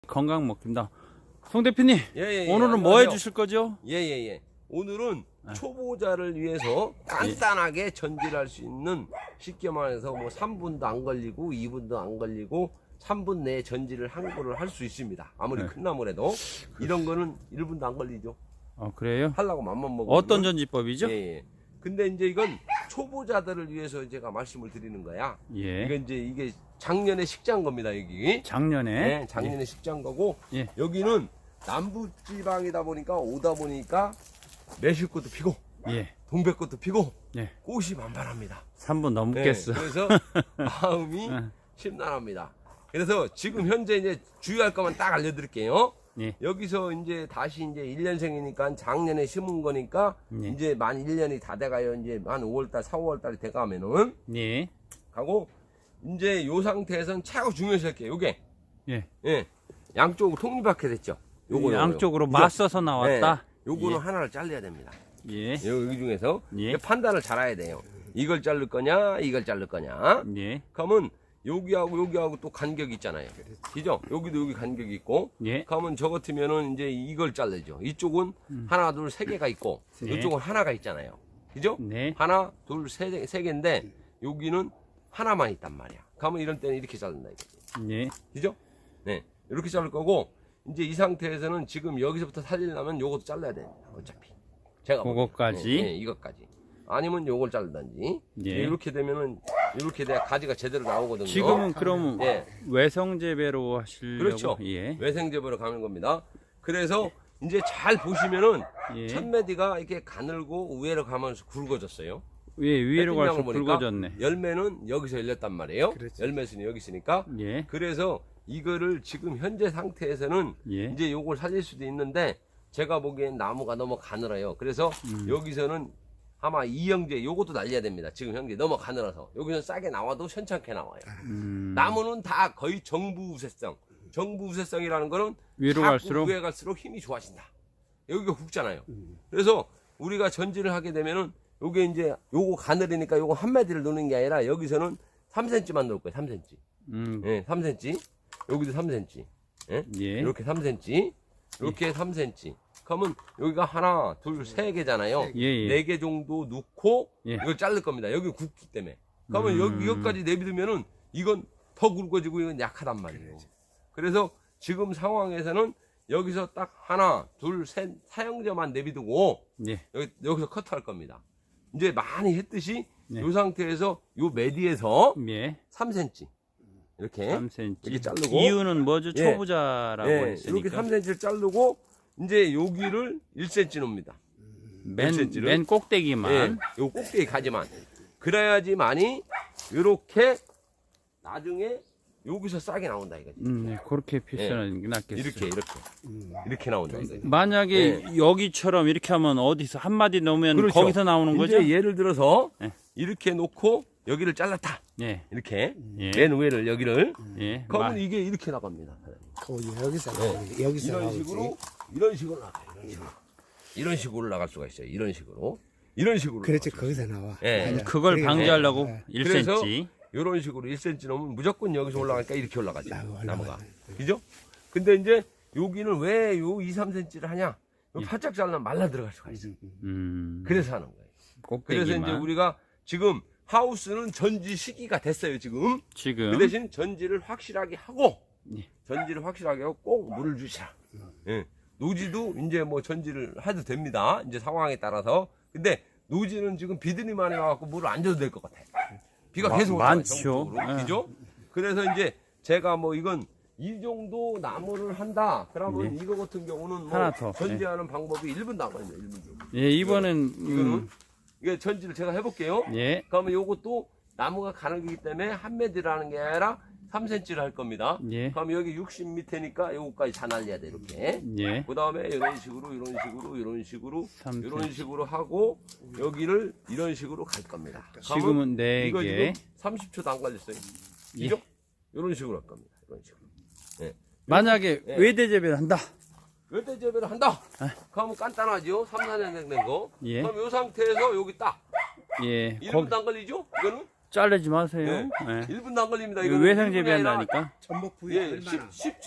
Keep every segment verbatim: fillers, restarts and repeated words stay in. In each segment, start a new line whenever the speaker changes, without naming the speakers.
건강 먹습니다. 송 대표님,
예, 예, 예,
오늘은 뭐 해주실 거죠?
예예예. 예, 예. 오늘은 아. 초보자를 위해서 간단하게 예. 전지할 수 있는 쉽게 말해서 뭐 삼 분도 안 걸리고 이 분도 안 걸리고 삼 분 내에 전지를 한 거를 할 수 있습니다. 아무리 네. 큰 나무라도 이런 거는 일 분도 안 걸리죠.
아 그래요?
하려고 맘만 먹으면.
어떤 전지법이죠?
예, 예. 근데 이제 이건 초보자들을 위해서 제가 말씀을 드리는 거야.
예.
이건 이제 이게 작년에 식장 겁니다, 여기.
작년에?
네, 작년에 예. 식장 거고
예.
여기는 남부지방이다 보니까 오다 보니까 매실꽃도 피고
예.
동백꽃도 피고
예.
꽃이 만발합니다.
삼 분 넘겠어.
네, 그래서 마음이 심란합니다. 그래서 지금 현재 이제 주의할 것만 딱 알려드릴게요.
예.
여기서 이제 다시 이제 일 년생이니까 작년에 심은 거니까
예.
이제 만 일 년이 다 돼가요. 이제 만 오월달, 사월달이 돼가면은
예.
가고 이제 요 상태에서는 최고 중요시 할게요. 요게
예.
예. 양쪽으로 톱니바퀴 됐죠. 요거
양쪽으로
요거.
맞서서 나왔다.
네. 요거는
예.
하나를 잘라야 됩니다.
예.
여기 중에서
예.
판단을 잘 해야 돼요. 이걸 자를 거냐, 이걸 자를 거냐.
예.
그러면 여기하고 여기하고 또 간격이 있잖아요. 그죠? 여기도 여기 간격이 있고.
예.
그러면 저 같으면은 이제 이걸 잘르죠. 이쪽은 음. 하나, 둘, 세 개가 있고,
네.
이쪽은 하나가 있잖아요. 그죠?
네.
하나, 둘, 세, 세 개인데, 여기는 하나만 있단 말이야. 그러면 이런 때는 이렇게 자른다, 이거지.
예.
그죠? 네. 이렇게 자를 거고, 이제 이 상태에서는 지금 여기서부터 살리려면 요것도 잘라야 됩니다. 어차피. 제가.
그거까지?
네, 네, 이것까지. 아니면 요걸 자르든지.
예.
이렇게 되면은, 이렇게 돼야 가지가 제대로 나오거든요.
지금은 그럼
예.
외성재배로 하시려고?
그렇죠.
예.
외생재배로 가는 겁니다. 그래서 이제 잘 보시면은
예.
천매디가 이렇게 가늘고 위로 가면서 굵어졌어요.
예, 위로 갈수록
햇빛량을 보니까
굵어졌네.
열매는 여기서 열렸단 말이에요.
그렇죠.
열매수는 여기 있으니까.
예.
그래서 이거를 지금 현재 상태에서는
예.
이제 요걸 살릴 수도 있는데 제가 보기엔 나무가 너무 가늘어요. 그래서
음.
여기서는 아마 이형제 요것도 날려야 됩니다. 지금 현재 너무 가늘어서 여기서 싸게 나와도 현찮게 나와요.
음.
나무는 다 거의 정부 우세성. 정부 우세성이라는 거는
위로
자꾸
갈수록?
위에 갈수록 힘이 좋아진다. 여기가 굵잖아요. 그래서 우리가 전지를 하게 되면은 요게 이제 요거 가늘으니까 요거 한 마디를 놓는 게 아니라 여기서는 삼 센티미터만 놓을 거예요. 삼 센티미터.
음.
예, 삼 센티미터. 여기도 삼 센티미터. 예?
예.
이렇게 삼 센티미터. 이렇게 예. 삼 센티미터. 그러면 여기가 하나, 둘, 세 개잖아요.
예, 예.
네 개 정도 넣고
예.
이걸 자를 겁니다. 여기 굵기 때문에. 그러면
음.
여기 이것까지 내비두면은 이건 더 굵어지고 이건 약하단 말이에요. 그래서 지금 상황에서는 여기서 딱 하나, 둘, 셋 사형제만 내비두고
예.
여기, 여기서 커트할 겁니다. 이제 많이 했듯이
네.
이 상태에서 요 메디에서
예.
삼 센티미터 이렇게
삼 센티미터.
이렇게 자르고
이유는 뭐죠?
예.
초보자라고
예,
했으니까.
이렇게 삼 센티미터를 자르고 이제 여기를 일 센티미터 놓습니다.
맨,
센티미터를.
맨 꼭대기만.
예, 요 꼭대기 가지만. 그래야지만이 이렇게 나중에 여기서 싸게 나온다 이거지.
음, 네, 그렇게 표현하는 게 낫겠어요.
이렇게 이렇게 이렇게 나온다 이거지.
만약에
예.
여기처럼 이렇게 하면 어디서 한 마디 넣으면
그렇죠.
거기서 나오는 거죠?
이제 예를 들어서
예.
이렇게 놓고 여기를 잘랐다.
예.
이렇게
예.
맨 위를 여기를.
예.
그러면
마-
이게 이렇게 나갑니다.
어, 여기서 나오지. 여기서
이런
나오지.
식으로 이런 식으로 나가요. 이런 식으로. 이런 식으로 나갈 수가 있어요. 이런 식으로. 이런 식으로.
그렇지,
나갈 수가
거기서 나와.
예.
맞아.
그걸
그게
방지하려고
네.
일
그래서
센티미터.
이런 식으로 일 센티미터 넘으면 무조건 여기서 올라가니까 이렇게 올라가죠.
나와,
나무가.
올라가요.
그죠? 근데 이제 여기는 왜 요 이, 삼 센티미터를 하냐? 요 바짝 잘라면 말라 들어갈 수가 있어.
음.
그래서 하는 거예요.
꼭대기만.
그래서 이제 우리가 지금 하우스는 전지 시기가 됐어요, 지금.
지금
그 대신 전지를 확실하게 하고,
예.
전지를 확실하게 하고 꼭 물을 주시라. 예. 노지도 이제 뭐 전지를 해도 됩니다. 이제 상황에 따라서. 근데 노지는 지금 비들이 많이 와갖고 물을 안 줘도 될 것 같아요. 비가
마-
계속 오잖아요,
많죠.
전국적으로.
예.
그죠? 그래서 이제 제가 뭐 이건 이 정도 나무를 한다. 그러면 이거 같은 경우는 뭐
하나 더.
전지하는 방법이 일 분 남았네요, 일 분 정도.
예, 이번엔
이거는
음,
이게 전지를 제가 해볼게요.
예.
그러면 요것도 나무가 가늘기 때문에 한 매디라는 게 아니라 삼 센티미터를 할 겁니다.
예.
그럼 여기 육십 미터니까 요거까지 다 날려야 돼, 이렇게.
예.
그 다음에 이런 식으로, 이런 식으로, 이런 식으로,
삼
이런
센티미터.
식으로 하고, 여기를 이런 식으로 갈 겁니다. 그러면
지금은 네
이거
개.
지금 삼십 초도 안 걸렸어요.
예.
그죠? 이런 식으로 할 겁니다. 이런 식으로. 예.
만약에
예.
외대 재배를 한다.
열대 재배를 한다. 그러면 간단하죠. 삼, 사 년 된 거.
예.
그럼 이 상태에서 여기 딱.
예.
일
거기
분도 안 걸리죠? 이거는?
자르지 마세요.
예.
예.
일 분도 안 걸립니다. 이거는
외상
일 분이 아니라
재배한다니까.
전복 부위
예,
얼마나?
쉽, 쉽지.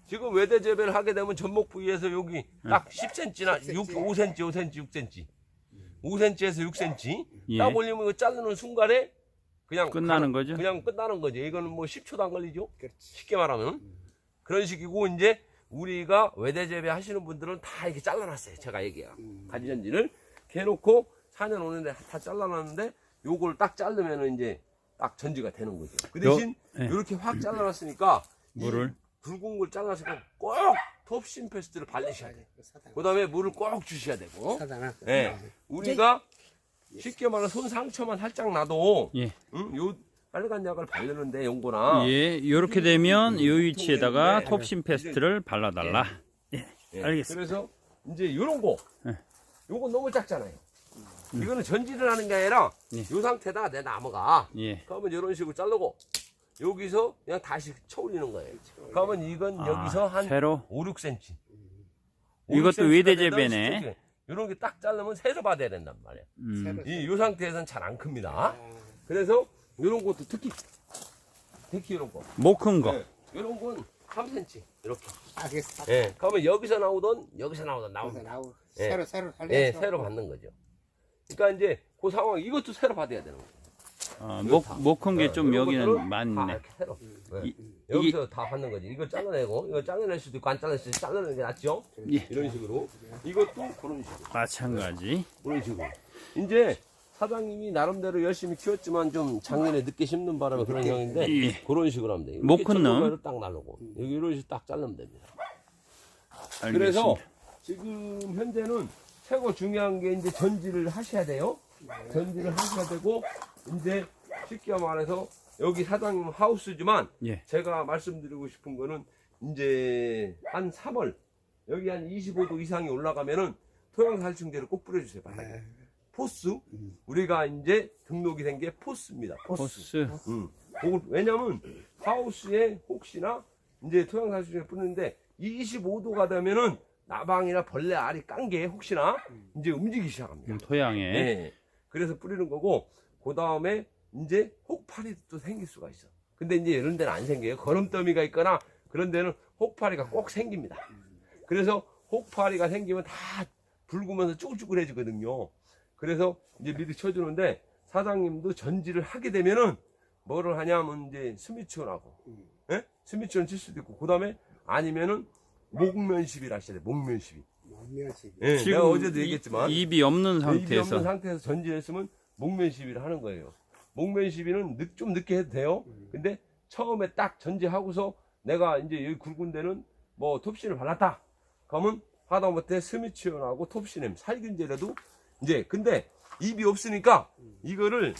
지금 외대 재배를 하게 되면 전목 부위에서 여기 딱 십 센티미터나 육, 오 센티미터, 오 센티미터, 육 센티미터. 오 센티미터에서 육 센티미터.
예.
딱 올리면 이거 자르는 순간에 그냥
끝나는
가-
거죠?
그냥 끝나는 거죠. 이거는 뭐 십 초도 안 걸리죠.
그렇지.
쉽게 말하면 그런 식이고 이제 우리가 외대 재배 하시는 분들은 다 이렇게 잘라놨어요. 제가 얘기해요. 가지전지를 이렇게 해놓고 사 년 오 년에 다 잘라놨는데 요걸 딱 자르면은 이제 딱 전지가 되는 거죠. 그 대신
요- 예.
이렇게 확 잘라놨으니까
물을?
이 굵은 걸 잘라놨으니까 꼭 톱신 페스트를 발리셔야 돼요.
사당.
그 다음에 물을 꼭 주셔야 되고.
사당아.
예. 우리가 쉽게 말하면 손 상처만 살짝 나도
예.
응? 요 빨간 약을 바르는데 용거나
예, 이렇게 되면 이 위치에다가
네.
톱신 페스트를 발라달라. 예,
예.
알겠습니다.
그래서 이제 요런 거
예.
요건 너무 작잖아요. 이거는 전지를 하는 게 아니라
예.
요 상태다 내 나무가
예.
그러면 이런 식으로 자르고 여기서 그냥 다시 쳐올리는 거예요. 그러면 이건
아,
여기서 한
세로?
오, 육 센티미터.
이것도 외대 재배네.
이런 게 딱 자르면 세로 받아야 된단 말이에요.
음,
이 요 상태에서는 잘 안 큽니다. 그래서 이런 것도 특히 특히 이런 거.
못 큰 거.
네. 이런 건 삼 센티미터 이렇게.
알겠어.
예. 그러면 여기서 나오던 여기서 나오던
나오고
나옵니다.
나오고
예.
새로 새로 살려.
예, 새로 받는 거죠. 그러니까 이제 그 상황 이것도 새로 받아야 되는 거예요.
어, 못, 못 큰 게 좀
이런 것들은
여기는
다
많네.
이렇게 새로. 네.
이-
여기서 다 받는 거지. 이거 잘라내고 이거 잘라낼 수도 있고 안 잘라낼 수도 있고 잘라내는 게 낫죠.
예.
이런 식으로. 이것도 그런 식으로.
마찬가지.
그런 식으로. 이제 사장님이 나름대로 열심히 키웠지만 좀 작년에 늦게 심는 바람에 그런 형인데
예.
그런 식으로 하면 돼요.
못 큰 놈.
이렇게 딱 나르고 여기 이런 식으로 딱 자르면 됩니다.
알겠습니다.
그래서 지금 현재는 최고 중요한 게 이제 전지를 하셔야 돼요. 전지를 하셔야 되고 이제 쉽게 말해서 여기 사장님 하우스지만
예.
제가 말씀드리고 싶은 거는 이제 한 삼월 여기 한 이십오 도 이상이 올라가면은 토양살충제를 꼭 뿌려주세요. 바닥에.
네.
포스 우리가 이제 등록이 된 게 포스입니다. 포스.
포스.
음. 그걸 왜냐면 하우스에 혹시나 이제 토양살충제 뿌리는데 이십오 도가 되면은 나방이나 벌레 알이 깐 게 혹시나 이제 움직이기 시작합니다.
음, 토양에.
네. 그래서 뿌리는 거고 그 다음에 이제 혹파리도 또 생길 수가 있어. 근데 이제 이런 데는 안 생겨요. 거름더미가 있거나 그런 데는 혹파리가 꼭 생깁니다. 그래서 혹파리가 생기면 다 붉으면서 쭈글쭈글해지거든요. 그래서 이제 미리 쳐주는데 사장님도 전지를 하게 되면은 뭐를 하냐면 이제 스미치온하고 예? 스미치온 칠 수도 있고 그 다음에 아니면은 목면시비를 하셔야 돼. 목면시비.
원면식.
예,
지금
내가 어제도
이-
얘기했지만
입이 없는
입이 없는
상태에서.
상태에서 전지했으면 목면 시비를 하는 거예요. 목면 시비는 늦, 좀 늦게 해도 돼요. 근데 처음에 딱 전지하고서 내가 이제 여기 굵은 데는 뭐 톱신을 발랐다. 그러면 하다못해 스미치온하고 톱신엠 살균제라도 이제 근데 입이 없으니까 이거를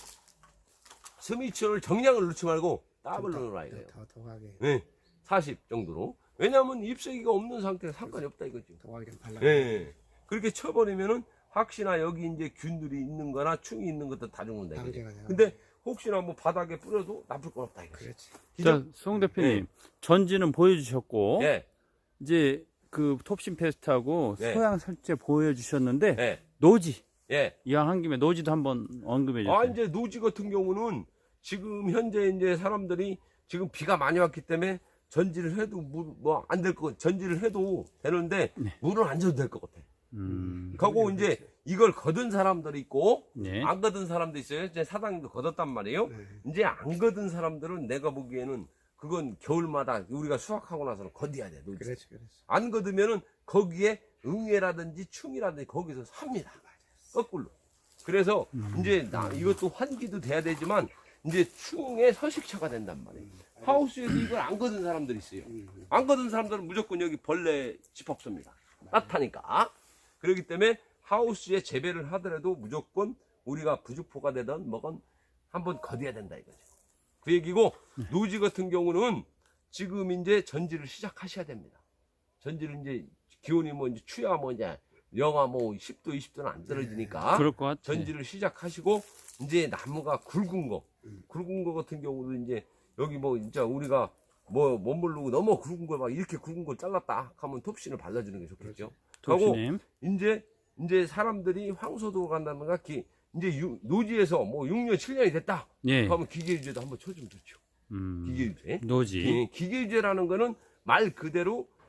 스미치온을 정량을 넣지 말고 더블로 넣어야 돼요.
더 더하게
네, 사십 정도로. 왜냐하면 잎새기가 없는 상태에서 상관이 없다 이거죠.
더하게 좀 발라.
예. 그렇게 쳐버리면은 혹시나 여기 이제 균들이 있는 거나 충이 있는 것도 다 죽는다. 이거죠.
당제가 돼요.
근데 혹시나 뭐 바닥에 뿌려도 나쁠 건 없다 이거죠.
그렇지.
자, 송 대표님.
예.
전지는 보여주셨고.
예.
이제 그 톱신 페스트하고
네.
소양 설제 보여주셨는데.
예.
노지.
예.
이왕 한 김에 노지도 한번 언급해 주세요.
아, 이제 노지 같은 경우는 지금 현재 이제 사람들이 지금 비가 많이 왔기 때문에 전지를 해도 뭐 안 될 거, 전지를 해도 되는데 물은 안 줘도 될 것 같아.
음.
그리고 이제 이걸 거둔 사람들이 있고
네.
안 거둔 사람도 있어요. 이제 사장님도 거뒀단 말이에요.
네.
이제 안 거둔 사람들은 내가 보기에는 그건 겨울마다 우리가 수확하고 나서는 거둬야 돼. 노지.
그렇지, 그렇지.
안 거두면은 거기에 응애라든지 충이라든지 거기서 삽니다. 거꾸로. 그래서 이제 나 이것도 환기도 돼야 되지만 이제 충의 서식처가 된단 말이에요. 하우스에도 이걸 안 거둔 사람들이 있어요. 안 거둔 사람들은 무조건 여기 벌레 집 없습니다. 따뜻하니까. 그렇기 때문에 하우스에 재배를 하더라도 무조건 우리가 부주포가 되든 뭐건 한번 거둬야 된다 이거죠. 그 얘기고 노지 같은 경우는 지금 이제 전지를 시작하셔야 됩니다. 전지를 이제 기온이 뭐 이제 추야 뭐 이제 영하 뭐 십 도 이십 도는 안 떨어지니까
그럴 것 같아.
전지를 시작하시고 이제 나무가 굵은 거 굵은 거 같은 경우도 이제 여기 뭐 진짜 우리가 뭐 못 모르고 너무 굵은 걸 막 이렇게 굵은 걸 잘랐다 하면 톱신을 발라주는 게 좋겠죠. 하고
톱신임.
이제 이제 사람들이 황소도 간다든가 기, 이제 유- 노지에서 뭐 육 년 칠 년이 됐다.
예.
그러면 기계유제도 한번 쳐주면 좋죠.
음.
기계유제.
노지.
예, 기계유제라는 거는 말 그대로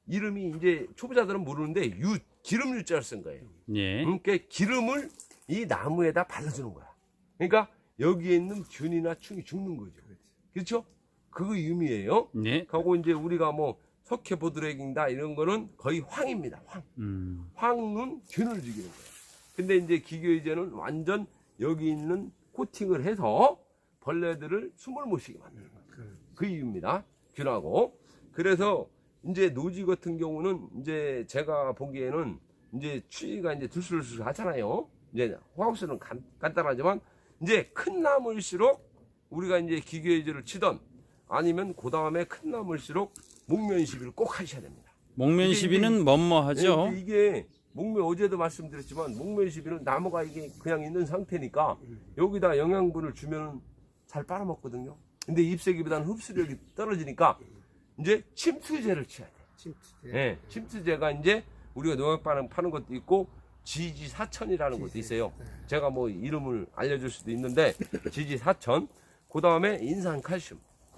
이름이 이제 초보자들은 모르는데 유 기름 유자를 쓴 거예요.
예.
그러니까 기름을 이 나무에다 발라주는 거야. 그러니까 여기에 있는 균이나 충이 죽는 거죠. 그렇죠? 그거 의미예요.
네.
하고 이제 우리가 뭐 석회보드레깅다 이런 거는 거의 황입니다. 황.
음.
황은 균을 죽이는 거예요. 근데 이제 기교의제는 완전 여기 있는 코팅을 해서 벌레들을 숨을 못 쉬게 만드는 거예요. 그 이유입니다. 균하고. 그래서 이제 노지 같은 경우는 이제 제가 보기에는 이제 추위가 이제 들술술 하잖아요. 이제 호하우스는 간, 간단하지만 이제 큰 나무일수록 우리가 이제 기교의제를 치던 아니면 그 다음에 큰 나무일수록 목면 시비를 꼭 하셔야 됩니다.
목면 시비는 뭐뭐하죠.
네, 이게 목면 어제도 말씀드렸지만 목면 시비는 나무가 이게 그냥 있는 상태니까 여기다 영양분을 주면 잘 빨아먹거든요. 근데 잎새기보다는 흡수력이 떨어지니까 이제 침투제를 치야 돼요.
침투제.
네, 침투제가 이제 우리가 농약 파는, 파는 것도 있고 지지사천이라는 것도 있어요. 제가 뭐 이름을 알려줄 수도 있는데 지지사천, 그 다음에 인산칼슘,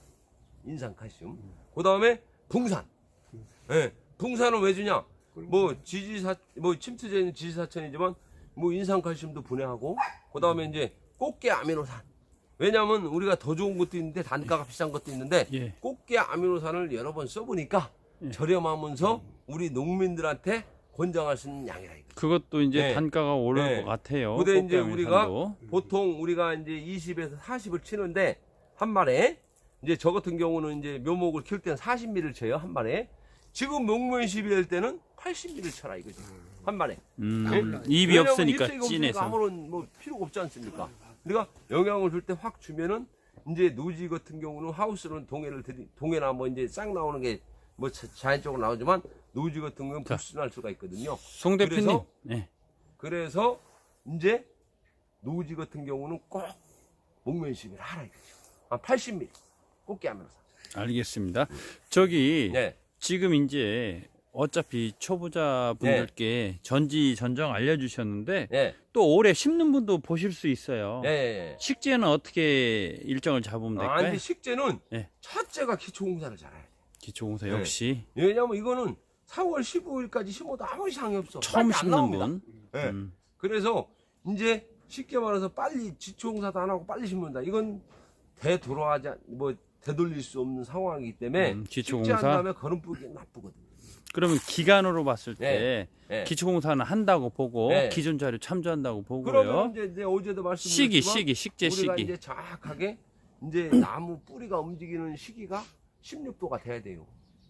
인산칼슘, 그 다음에 붕산. 네, 붕산은 왜 주냐? 뭐 지지사, 뭐 침투제는 지지사천이지만 뭐 인산칼슘도 분해하고, 그 다음에 이제 꽃게 아미노산. 왜냐면 우리가 더 좋은 것도 있는데 단가가 비싼 것도 있는데
예.
꽃게 아미노산을 여러 번 써보니까
예.
저렴하면서 우리 농민들한테 권장할 수 있는 양이라 이거.
그것도 이제
네.
단가가 오를
네.
것 같아요.
근데 이제
꽃게
우리가
아미노산도.
보통 우리가 이제 이십에서 사십을 치는데 한 마리에 이제 저 같은 경우는 이제 묘목을 키울 때는 사십 밀리미터를 쳐요 한 마리에. 지금 목면 시비 할 때는 팔십 밀리미터를 쳐라 이거죠 한 마리에.
음,
네?
입이
왜냐면
없으니까
잎색이 없으니까
찐해서.
아무런 뭐 필요가 없지 않습니까? 그러니까 영양을 줄 때 확 주면은 이제 노지 같은 경우는 하우스는 동해를 들이 동해나 뭐 이제 싹 나오는 게 뭐 자연적으로 나오지만 노지 같은 경우는 불순할 수가 있거든요.
송 대표님.
그래서-
네.
그래서 이제 노지 같은 경우는 꼭 목면 시비를 하라 이거죠. 한 팔십 밀리미터 꽃게 하면서.
알겠습니다. 저기
네.
지금 이제 어차피 초보자 분들께 전지 전정 알려주셨는데
예.
또 올해 심는 분도 보실 수 있어요.
예. 예.
식재는 어떻게 일정을 잡으면
아,
될까요?
근데 식재는
네.
첫째가 기초공사를 잘해야 돼.
기초공사
네.
역시
왜냐면 이거는 사월 십오일까지 심어도 아무 이상이 없어.
처음
빨리 안
심는
나옵니다.
분.
예.
음.
그래서 이제 쉽게 말해서 빨리 지초공사도 안 하고 빨리 심는다. 이건 되돌아하지 않- 뭐 되돌릴 수 없는 상황이기 때문에
음,
식재한
기초공사.
다음에 거름 뿌기 나쁘거든요.
그러면 기간으로 봤을 때
네. 네.
기초공사는 한다고 보고
네.
기존 자료 참조한다고 보고요.
그러면 이제, 이제 어제도 말씀드렸지만
시기, 시기, 식재
우리가
시기.
이제 정확하게 이제 나무 뿌리가 움직이는 시기가 십육 도가 돼야 돼요.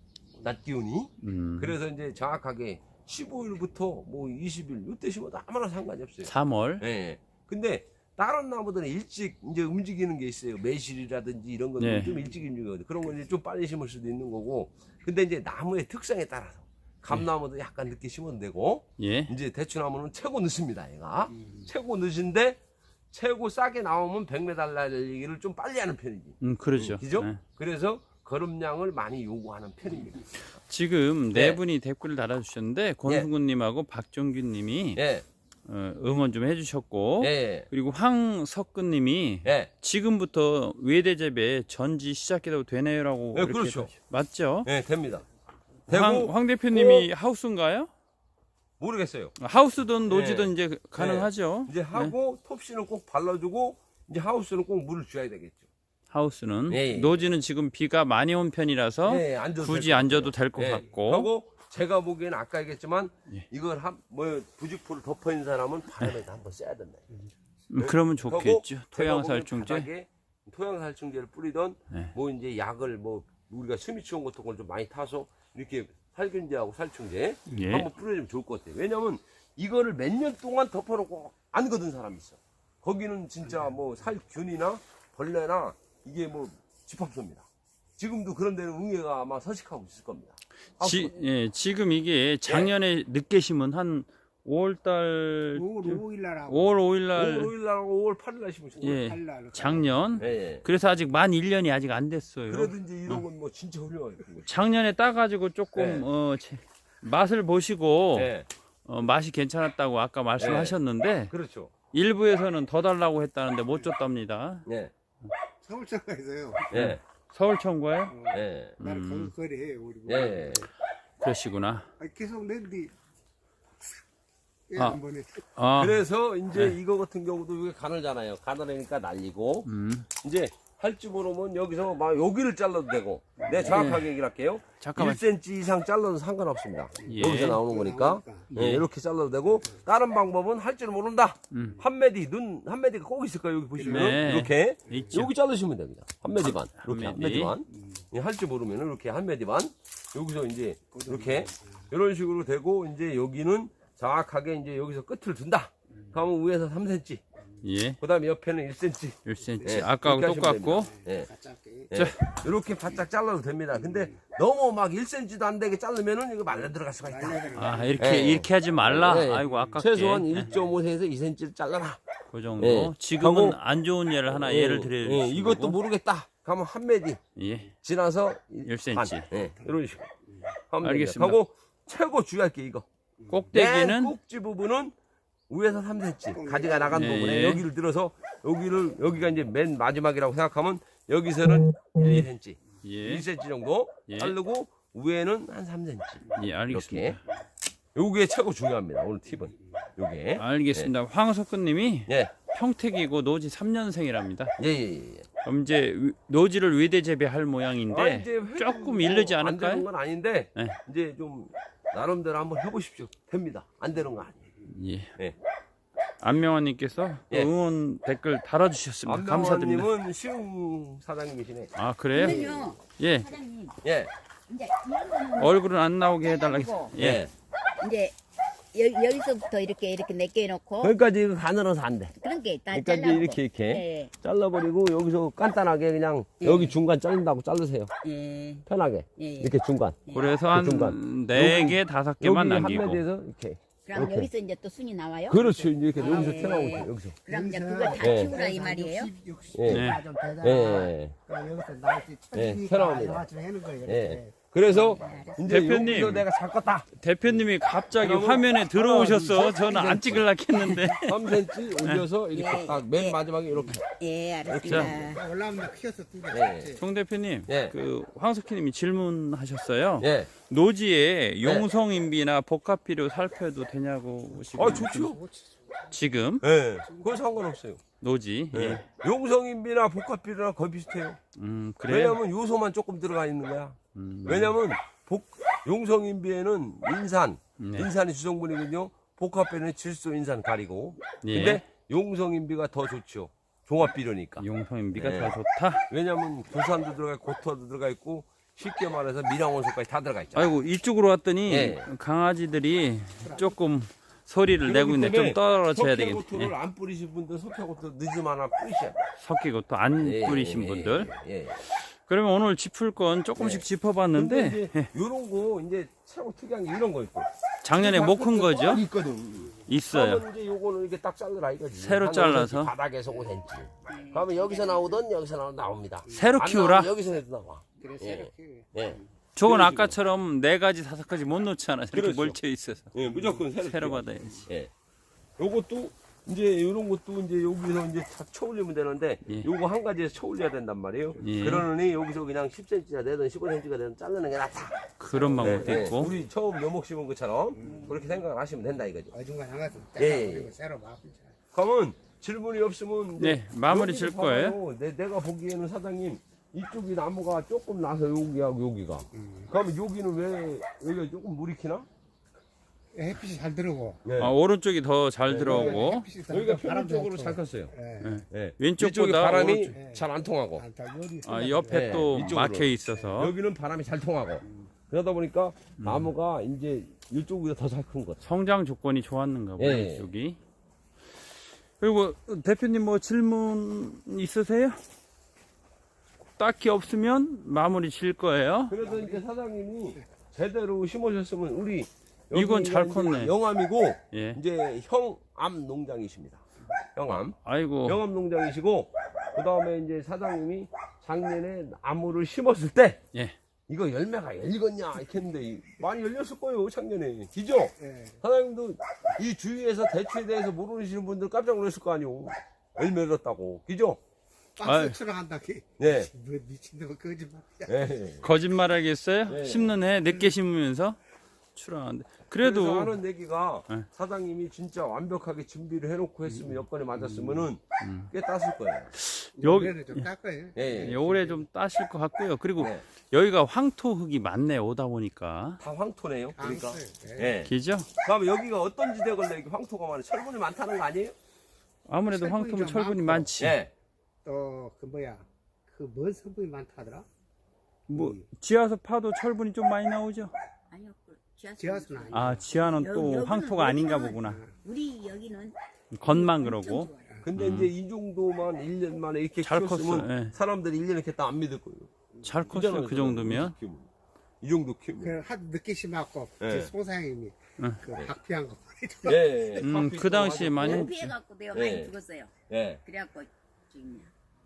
낮 기온이.
음,
그래서 이제 정확하게 십오일부터 뭐 이십 일 이때 심어도 아무나 상관이 없어요.
삼월.
예. 근데 다른 나무들은 일찍 이제 움직이는 게 있어요. 매실이라든지 이런 거는
네.
좀 일찍 움직이거든. 그런 건 이제 좀 빨리 심을 수도 있는 거고. 근데 이제 나무의 특성에 따라서 감나무도 약간 늦게 심어도 되고,
예.
이제 대추나무는 최고 늦습니다. 얘가 최고 늦은데 최고 싸게 나오면 백 미터 달리기를 좀 빨리 하는 편이지.
음, 그렇죠.
그죠?
네.
그래서 걸음량을 많이 요구하는 편입니다.
지금
네.
네 분이 댓글을 달아주셨는데 권승구님하고 박종균님이
예,
어, 응원 좀 해주셨고
예,
그리고 황석근님이
예.
지금부터 외대재배 전지 시작해도 되네요라고
네,
이렇게
그렇죠.
맞죠?
예, 됩니다.
황,
되고
황 대표님이 하우스인가요?
모르겠어요.
하우스든 노지든
네.
이제 가능하죠.
이제 하고 톱씨는 꼭 발라주고 이제 하우스는 꼭 물을 줘야 되겠죠.
하우스는
네.
노지는 지금 비가 많이 온 편이라서
네, 안 줘도
굳이
될것
안
같아요.
줘도 될 것
예.
같고
하고 제가 보기에는 아까 얘기했지만
예.
이걸 한 뭐 부직포를 덮어 있는 사람은 바람에다 한번 써야 된다.
음, 그러면 좋겠죠.
하고
토양살충제.
제가 보기엔 바닥에 토양살충제를 뿌리던
네.
뭐 이제 약을 뭐 우리가 스미치온 같은 걸 좀 많이 타서 이렇게 살균제하고 살충제
예.
한번 뿌려주면 좋을 것 같아요. 왜냐면 이거를 몇 년 동안 덮어놓고 안 거둔 사람이 있어. 거기는 진짜 뭐 살균이나 벌레나 이게 뭐 집합소입니다. 지금도 그런 데는 응애가 아마 서식하고 있을 겁니다.
지, 예, 지금 이게 작년에 늦게 심은 한 오월달
오월 오일 날하고
오월 오일 날
오월 오일 날하고 오월 팔일 날 심으신 거예요.
예,
팔 날.
작년
예, 예.
그래서 아직 만 일 년이 아직 안 됐어요.
그래도 이제 이런 건 뭐 진짜 훌륭한 거죠.
작년에 따가지고 조금
네.
어, 제- 맛을 보시고
예,
어, 맛이 괜찮았다고 아까 말씀하셨는데
그렇죠.
일부에서는 더 달라고 했다는데 못 줬답니다.
예,
서울청에서요.
예,
서울청과에
어,
예.
나를
음.
거리 해요 우리.
예.
그러시구나.
아, 계속 낸디. 예,
아.
한 번에.
아,
그래서 이제
네.
이거 같은 경우도 이게 가늘잖아요. 가늘으니까 날리고
음,
이제 할 줄 모르면 여기서 막 여기를 잘라도 되고 내가 정확하게 얘기를 할게요.
잠깐만.
일 센티미터 이상 잘라도 상관없습니다.
예.
여기서 나오는 거니까
예.
예, 이렇게 잘라도 되고 다른 방법은 할 줄 모른다.
음.
한 메디 눈 한 메디가 꼭 있을 거예요. 여기 보시면
네.
이렇게
있죠.
여기 자르시면 됩니다. 한 메디 반
한
이렇게 한
메디.
메디 반. 할 줄 모르면 이렇게 한 메디 반 여기서 이제 이렇게 이런 식으로 되고 이제 여기는 정확하게 이제 여기서 끝을 둔다. 그러면 위에서 삼 센티미터.
예,
그다음에 옆에는 일 센티미터.
일 센티미터.
예,
아까하고
그렇게 하시면
똑같고.
예.
짧게.
예. 이렇게 바짝 잘라도 됩니다. 근데 너무 막 일 센티미터도 안 되게 자르면은 이거 말려 들어갈 수가 있다.
아, 이렇게,
예.
이렇게 하지 말라.
예, 예.
아이고, 아깝게.
최소한
예,
일 점 오 센티미터에서 이 센티미터를 잘라라.
그 정도.
예.
지금은
하고-
안 좋은 예를 하나
예,
예를 드릴
예, 이것도 모르겠다. 가면 한 메디
예,
지나서
일 센티미터.
반. 예, 이런 식으로. 하면
알겠습니다.
됩니다. 하고 최고 주의할 게 이거. 맨
꼭대기는
꼭지 부분은 위에서 삼 센티미터 가지가 나간
예,
부분에
예.
여기를 들어서 여기를 여기가 이제 맨 마지막이라고 생각하면 여기서는 일, 이 센티미터,
예,
일 센티미터 정도
예.
자르고 위에는 한 삼 센티미터.
예, 알겠습니다.
이렇게. 요게 최고 중요합니다. 오늘 팁은 요게.
알겠습니다. 황석근님이
예,
평택이고 노지 삼 년생이랍니다.
예, 예. 예.
그럼 이제 위- 노지를 위대 재배할 모양인데
아, 이제 회도
조금
뭐
이르지
안 되는
않을까요?
건 아닌데
네.
이제 좀 나름대로 한번 해보십시오. 됩니다. 안 되는 거 아니에요.
예.
예.
안명환님께서
예.
응원 댓글 달아주셨습니다. 감사드립니다.
안명환님은 시흥 사장님이시네.
아 그래요?
그러면요,
예.
사장님,
예,
이제 이런 거는
얼굴은 안 나오게 해달라고.
잘라내고,
예.
예.
이제 여, 여기서부터 이렇게 이렇게 내게 놓고
거기까지 이거 가늘어서 안 돼.
그런 게 다
여기까지
잘라고.
이렇게 이렇게
예,
잘라버리고 여기서 간단하게 그냥
예.
여기 중간 자른다고 자르세요.
예,
편하게
예.
이렇게 중간.
그래서
그 중간.
한 네 개 다섯
여기
개만
한
남기고.
메디에서 이렇게.
그럼
이렇게.
여기서 이제 또 순이 나와요?
그렇죠. 이렇게
아,
여기서
예.
튀어나오고 있어요. 여기서.
그럼 이제 그걸 다
예.
키우라 이 말이에요?
예.
네.
좀 되잖아.
예.
그러니까 여기서 나올 때
예,
천지니까
새로웁니다.
양아치 하는 거예요.
예.
이렇게.
그래서 이제
대표님.
여기서 내가 잡았다.
대표님이 갑자기
그러면
화면에 들어오셨어.
하나, 둘, 셋,
저는 안
셋.
찍으려 했는데.
삼 센티미터 올려서 이렇게
예.
딱 맨
예.
마지막에 이렇게.
예, 알았습니다.
자, 올라오면 키워서 두 개.
예.
송 대표님,
예.
그 황석희님이 질문하셨어요.
예.
노지에 용성인비나 복합비료 살펴도 되냐고 지금.
아, 좋죠.
지금
예. 그건 상관없어요.
노지. 예.
예. 용성인비나 복합비료나 거의 비슷해요.
음 그래요.
왜냐면 요소만 조금 들어가 있는 거야.
음.
왜냐면 복, 용성인비에는 인산,
네.
인산이 주성분이거든요. 복합비료는 질소, 인산 가리고.
예.
근데 용성인비가 더 좋죠. 종합비료니까.
용성인비가
네.
더 좋다.
왜냐면 구산도 들어가 있고 고토도 들어가 있고 쉽게 말해서 미량원소까지 다 들어가 있잖아요.
아이고 이쪽으로 왔더니
예.
강아지들이 조금 소리를 내고 있는데 좀 떨어져야 되겠네.
석회고토를
예.
안 뿌리신 분들 석회고토 늦으면 하나 뿌리셔야 돼요.
석기고또 안
예,
뿌리신
예,
분들.
예, 예.
그러면 오늘 짚을 건 조금씩
네.
짚어봤는데
근데 이제 요런 거 이제 최고 특이한 게 이런 거 있고.
작년에 못 큰 거죠?
있거든.
있어요.
그러면 이제 요거는 이렇게 딱 잘라라 이거지.
새로
한
잘라서?
오 센티미터, 바닥에서 오 센티미터. 그러면 여기서 나오던 여기서 나오던 나옵니다.
새로
안
키우라?
나오면 여기서 나와.
그래,
예.
새로 키워.
예.
저건
그런
아까처럼 네 가지 다섯 가지 못 놓잖아. 이렇게
그렇죠.
몰쳐 있어서.
예, 무조건 새로.
새로
키워.
받아야지.
예. 요것도 이제 요런 것도 이제 여기서 이제 다 쳐올리면 되는데
예.
요거 한 가지에서 쳐올려야 된단 말이에요.
예.
그러느니 여기서 그냥 십 센티미터가 되든 십오 센티미터가 되든 자르는 게 낫다.
그런 방법도
예, 예.
있고.
우리 처음 묘목 심은 것처럼 그렇게 생각을 하시면 된다 이거죠.
어중간 양아치
예,
잘라
예.
그리고 새로 막.
그러면 질문이 없으면 이제
네, 마무리
여기를
질 거예요.
봐봐요. 내, 내가 보기에는 사장님 이쪽이 나무가 조금 나서 여기하고 여기가 그러면 여기는 왜 여기가 조금 물이 키나?
햇빛이 잘 들어오고.
네.
아, 오른쪽이 더 잘
네,
들어오고
햇빛이 잘
여기가
들어오고 바람도
평균적으로
없고.
잘 컸어요.
예.
예.
왼쪽보다
이쪽에 바람이
오른쪽.
잘 안 통하고
아, 다 요리
아,
쏟아지고.
옆에
네,
또
이쪽으로.
막혀 있어서
여기는 바람이 잘 통하고 그러다 보니까 나무가 이제 이쪽보다 더 잘 큰 거죠.
성장 조건이 좋았는가 보요
예.
이쪽이. 그리고 대표님 뭐 질문 있으세요? 딱히 없으면 마무리 질 거예요.
그래서 이제 사장님이 제대로 심으셨으면 우리
이건 잘
여기가 이제
컸네.
영암이고
예.
이제 형암 농장이십니다. 영암.
아이고.
영암 농장이시고 그다음에 이제 사장님이 작년에 나무를 심었을 때
예.
이거 열매가 열리겠냐 이렇게 했는데 이- 많이 열렸을 거예요 작년에. 기죠?
예.
사장님도 이 주위에서 대추에 대해서 모르시는 분들 깜짝 놀랐을 거 아니오. 열매 열었다고. 기죠?
아유.
박스 출하한다.
네.
뭐 미친놈 거짓말이야.
네.
거짓말 하겠어요?
예.
심는 해 늦게 심으면서 출하는데
그래서
그래도
하는 얘기가
네.
사장님이 진짜 완벽하게 준비를 해놓고 했으면 여건에 맞았으면은
음.
꽤 땄을 거예요.
여기-
올해는 좀 닦아요.
예, 예.
올해 좀 따실 것 같고요. 그리고
네.
여기가 황토 흙이 많네 오다 보니까
다 황토네요. 그러니까.
아, 예.
예.
기죠?
그럼 여기가 어떤 지대 걸려 이게 황토가 많아? 철분이 많다는 거 아니에요?
아무래도
철분이
황토면
좀
철분이
많고.
많지.
예.
또 그 뭐야 그 뭔 성분이 많다더라.
뭐 지하수 파도 철분이 좀 많이 나오죠.
아니요. 그 지하수.
지하수는 아니야.
아 지하는
여기-
또
여기는
황토가 아닌가
여기는
보구나.
우리 여기는
겉만
엄청
그러고.
좋아요.
근데 이제 이 정도만 일 년 만에 이렇게
잘
키웠으면
컸어, 예.
사람들이 일 년에 했다 안 믿을 거예요.
잘
그잖아요,
컸어요 그 정도면.
키우면. 이 정도 키우면.
그 한 늦게 심었고
예.
제 송사장님이
응.
그 박피한 거 보내줘.
예. 예.
음,
커피
그 당시에
또
많이-
하고.
피해갖고 내가
예.
많이 죽었어요.
예.
그래갖고 지금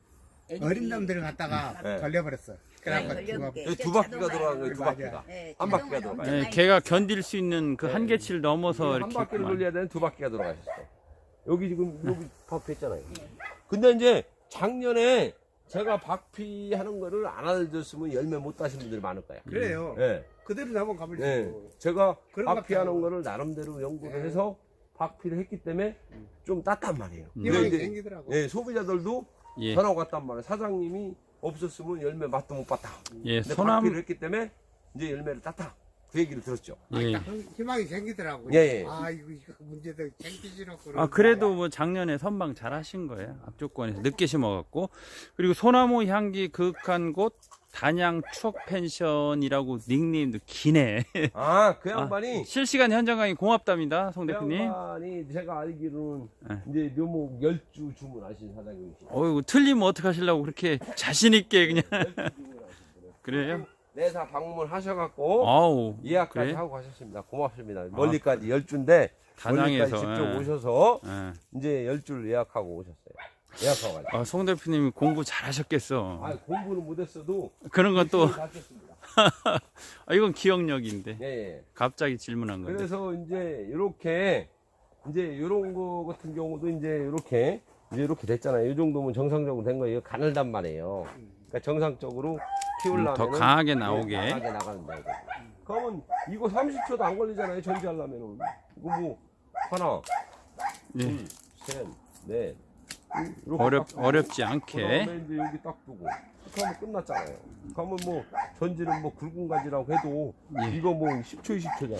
어린 놈들을 갖다가
예.
걸려버렸어. 그래갖고
네,
죽어.
걸려볼게.
여기 두 바퀴가 돌아가는 거예요. 두
맞아요.
바퀴가.
네,
한 바퀴가 돌아가요.
예, 걔가 견딜 수 있는 그
네.
한계치를 넘어서
한
이렇게
바퀴를
있구만.
돌려야 되는 두 바퀴가 돌아가셨어. 여기 지금 여기 박피했잖아요. 근데 이제 작년에 제가 박피하는 거를 안 알려줬으면 열매 못 따신 분들이 많을 거야.
그래요.
예.
그대로 넘어가면
예.
되고.
제가
그런 것
박피하는
같아요.
거를 나름대로 연구를
예.
해서 박피를 했기 때문에 좀 땄단 말이에요.
음.
근데
희망이
이제
생기더라고.
예, 소비자들도
예,
전화가 왔단 말이에요. 사장님이 없었으면 열매 맛도 못 봤다.
예,
근데
소나무,
박피를 했기 때문에 이제 열매를 땄다. 그 얘기를 들었죠.
예.
희망이 생기더라고.
예, 예.
아 이거 이거 문제도 생기지놓고.
아 그래도 뭐 작년에 선방 잘 하신 거예요. 앞조건에서 늦게 심어갖고. 그리고 소나무 향기 그윽한 곳 단양 추억 펜션이라고 닉네임도 기네.
아, 그
아,
양반이
실시간 현장 강의 고맙답니다, 송
그
대표님.
양반이 제가 알기로는
네.
이제 묘목 열주 주문하신 사장님이시죠.
어이구 틀리면 어떡하시려고 그렇게 자신 있게 그냥
열주 주문하신 분이에요.
그래요?
내사 방문 하셔갖고
아우
예약까지
그래?
하고 가셨습니다. 고맙습니다. 멀리까지 열주인데 멀리까지
단양에서
직접
예.
오셔서
예.
이제 열주를 예약하고 오셨어요. 예약하고 가셨어요.
아, 송 대표님이 공부 잘하셨겠어.
아, 공부는 못했어도
그런 건 또
가르쳤습니다.
아, 이건 기억력인데
예, 예.
갑자기 질문한 건데.
그래서 이제 이렇게 이제 이런 거 같은 경우도 이제 이렇게 이제 이렇게 됐잖아요. 이 정도면 정상적으로 된 거예요. 가늘단 말이에요. 그러니까 정상적으로 키우려면
더 강하게 나오게.
강하게 나가는 거예요. 그러면 이거 삼십 초도 안 걸리잖아요. 전지하려면은 이거 뭐 하나,
예.
둘, 셋, 넷. 이렇게
어렵
딱 두고,
어렵지 않게.
그다음에 이제 여기 딱 두고. 이렇게 하면 끝났잖아요. 그러면 뭐 전지는 뭐 굵은 가지라고 해도
예.
이거 뭐 십 초, 이십 초잖아요.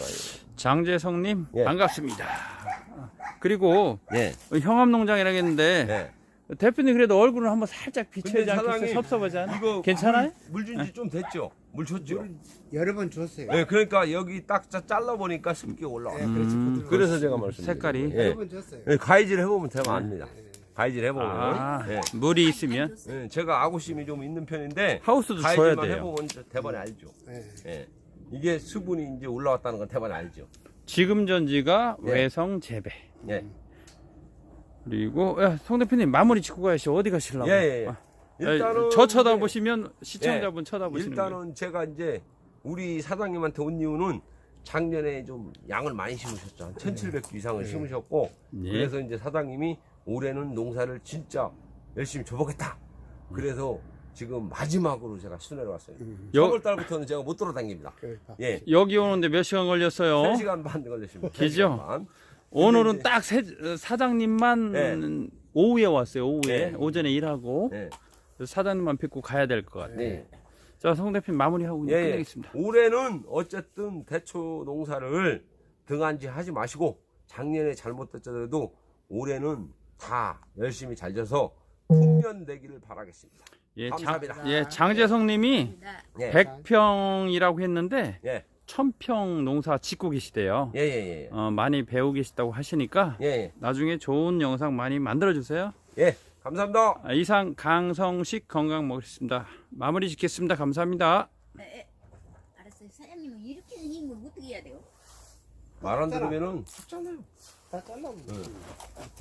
장재성님
예.
반갑습니다. 그리고
예.
형암농장이라고 했는데
예.
대표님 그래도 얼굴을 한번 살짝 비춰야지
근데
않겠어요?
사장님,
섭섭하지 않아?
이거
괜찮아요?
물 준 지 좀 됐죠? 물 줬죠?
여러 번 줬어요.
예, 그러니까 여기 딱 자- 잘라보니까 습기가 올라와요.
예, 그렇지.
음,
부드러워.
그래서 제가 말씀드린
색깔이?
거예요.
여러
예.
번 줬어요.
예, 가위질 해보면 되면 압니다. 가위질 해보면.
아,
예.
물이 있으면
예, 제가 아구심이 좀 있는 편인데
하우스도 줘야
가위질만
돼요.
해보면 대번에 알죠.
예.
예. 이게 수분이 이제 올라왔다는 건 대번에 알죠.
지금 전지가
예.
외성 재배.
예.
그리고 야, 송 대표님 마무리 짓고 가야지 어디 가시려고?
예, 예, 예.
아,
일단은
저
이제-
쳐다보시면 시청자분 쳐다보시는 거예요.
일단은 제가 이제 우리 사장님한테 온 이유는 작년에 좀 양을 많이 심으셨죠. 한 천칠백 주 이상을 심으셨고
예.
그래서 이제 사장님이 올해는 농사를 진짜 열심히 줘보겠다. 그래서 지금 마지막으로 제가 순회를 왔어요.
여-
삼월 달부터는 제가 못 돌아다닙니다.
그러니까.
예.
여기 오는데 몇 시간 걸렸어요?
세 시간 반 걸렸습니다. 세
그죠?
시간 반.
오늘은
이제-
딱 세- 사장님만
네.
오후에 왔어요. 오후에
네.
오전에 일하고
네.
그래서 사장님만 뵙고 가야 될 것 같아요.
네.
자, 송 대표님 마무리하고
예, 예.
끝내겠습니다.
올해는 어쨌든 대초 농사를 등한지 하지 마시고 작년에 잘못됐더라도 올해는 다 열심히 잘 져서 풍년 내기를 바라겠습니다.
예, 장,
감사합니다.
예, 장재성님이
예.
백 평이라고 했는데
예.
천 평 농사 짓고 계시대요.
예, 예, 예.
어, 많이 배우고 계시다고 하시니까
예, 예.
나중에 좋은 영상 많이 만들어 주세요.
예. 감사합니다.
아, 이상 강성식 건강 먹겠습니다. 마무리 짓겠습니다. 감사합니다.
네, 알았어요. 사장님은 이렇게 생긴 걸 어떻게 해야 돼요?
말 안 들으면은
다 잘라.